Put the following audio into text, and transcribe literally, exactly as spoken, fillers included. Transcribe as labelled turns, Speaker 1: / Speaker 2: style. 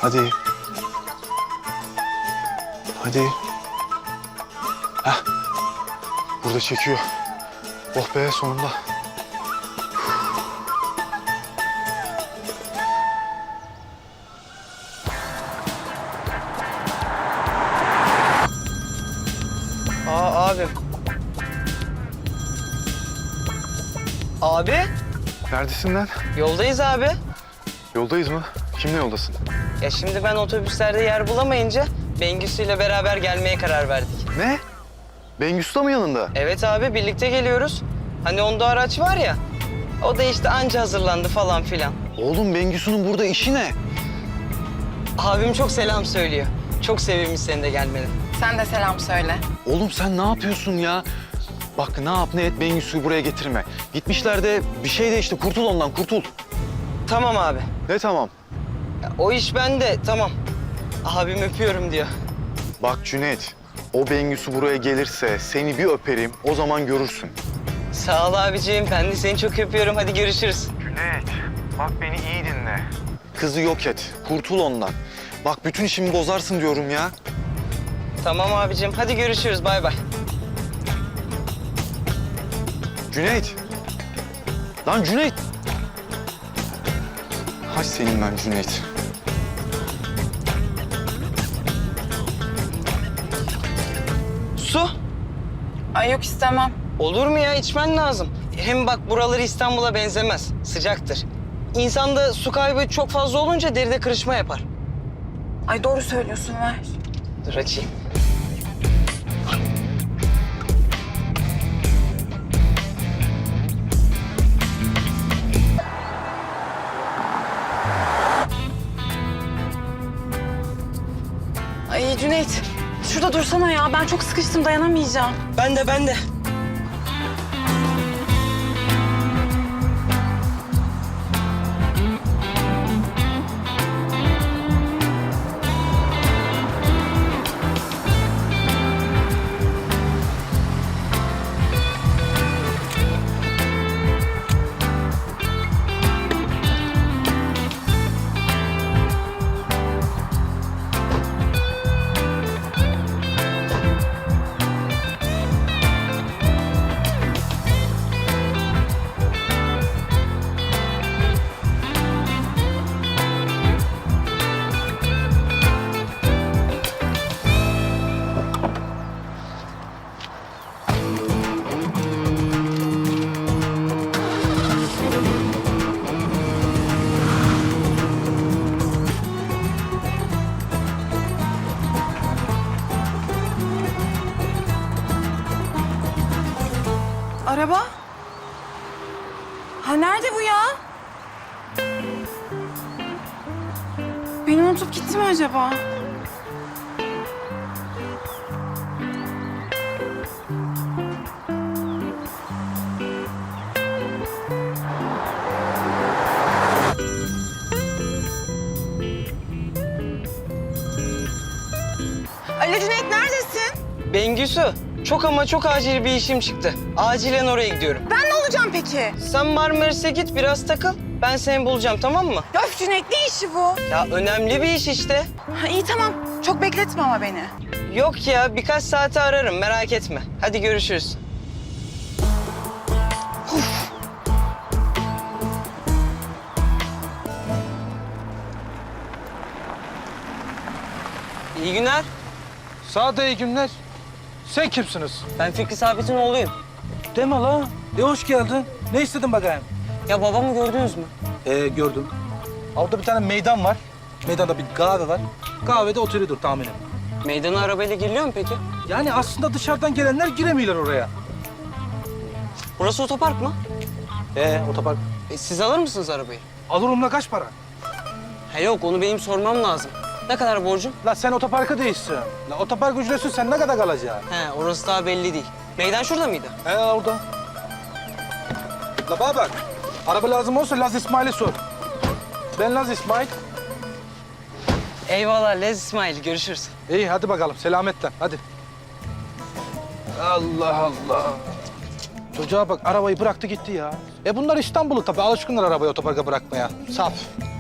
Speaker 1: Hadi. Hadi. Heh. Burada çekiyor. Oh be sonunda.
Speaker 2: Aa abi. Abi,
Speaker 1: Neredesin lan?
Speaker 2: yoldayız abi.
Speaker 1: Yoldayız mı? Kimle yoldasın?
Speaker 2: Ya şimdi ben otobüslerde yer bulamayınca Bengüsü ile beraber gelmeye karar verdik.
Speaker 1: Ne? Bengüsü mı yanında?
Speaker 2: Evet abi, birlikte geliyoruz. Hani onda araç var ya, o da işte anca hazırlandı falan filan.
Speaker 1: Oğlum Bengüsü'nün burada işi ne?
Speaker 2: Abim çok selam söylüyor. Çok sevinmiş senin de gelmeni.
Speaker 3: Sen de selam söyle.
Speaker 1: Oğlum sen ne yapıyorsun ya? Bak ne yap ne et Bengüsü'yü buraya getirme. Gitmişler de bir şey de işte kurtul ondan kurtul.
Speaker 2: Tamam abi.
Speaker 1: Ne tamam?
Speaker 2: Ya, o iş bende, tamam. Abim öpüyorum diyor.
Speaker 1: Bak Cüneyt, o Bengüsü buraya gelirse seni bir öperim, o zaman görürsün.
Speaker 2: Sağ ol abiciğim, ben de seni çok öpüyorum. Hadi görüşürüz.
Speaker 1: Cüneyt, bak beni iyi dinle. Kızı yok et, kurtul ondan. Bak bütün işimi bozarsın diyorum ya.
Speaker 2: Tamam abiciğim, hadi görüşürüz. Bay bay.
Speaker 1: Cüneyt. Lan Cüneyt. Hay senin ben Cüneyt.
Speaker 2: Su.
Speaker 3: Ay yok istemem.
Speaker 2: Olur mu ya? İçmen lazım. Hem bak buraları İstanbul'a benzemez. Sıcaktır. İnsanda su kaybı çok fazla olunca deride kırışma yapar.
Speaker 3: Ay doğru söylüyorsun ver.
Speaker 2: Dur açayım.
Speaker 3: Ay Cüneyt şurada dursana ya ben çok sıkıştım dayanamayacağım.
Speaker 2: Ben de ben de.
Speaker 3: Araba? Ha nerede bu ya? Beni unutup gitti mi acaba? Ali Cüneyt neredesin?
Speaker 2: Bengüsü, çok ama çok acil bir işim çıktı. Acilen oraya gidiyorum.
Speaker 3: Ben ne olacağım peki?
Speaker 2: Sen Marmaris'e git biraz takıl. Ben seni bulacağım, tamam mı?
Speaker 3: Ya öf Cüneyt ne işi bu?
Speaker 2: Ya önemli bir iş işte.
Speaker 3: Ha, iyi tamam çok bekletme ama beni.
Speaker 2: Yok ya, birkaç saate ararım, merak etme. Hadi görüşürüz. İyi günler.
Speaker 4: Sağ da iyi günler. Sen kimsiniz?
Speaker 2: Ben Fikri Sabit'in oğluyum.
Speaker 4: Deme la. E hoş geldin. Ne istedin bakayım?
Speaker 2: Ya babamı gördünüz mü?
Speaker 4: Ee gördüm. Orada bir tane meydan var. Meydanda bir kahve var. Kahvede oturuyordur tahminim.
Speaker 2: Meydana arabayla giriliyor mu peki?
Speaker 4: Yani aslında dışarıdan gelenler giremiyorlar oraya.
Speaker 2: Burası otopark mı?
Speaker 4: Ee otopark.
Speaker 2: E, siz alır mısınız arabayı?
Speaker 4: Alırım la kaç para?
Speaker 2: Ha yok, onu benim sormam lazım. Ne kadar borcum?
Speaker 4: La sen otoparka değilsin. La otopark ücretsiz sen ne kadar kalacaksın?
Speaker 2: He, orası daha belli değil. Meydan şurada mıydı?
Speaker 4: He orada. La bana bak. Araba lazım olsa Laz İsmail'i sor. Ben Laz İsmail.
Speaker 2: Eyvallah Lez İsmail, görüşürüz.
Speaker 4: İyi hadi bakalım selametle hadi. Allah Allah. Çocuğa bak arabayı bıraktı gitti ya. E bunlar İstanbul'u tabii alışkınlar arabayı otoparka bırakmaya. Saf.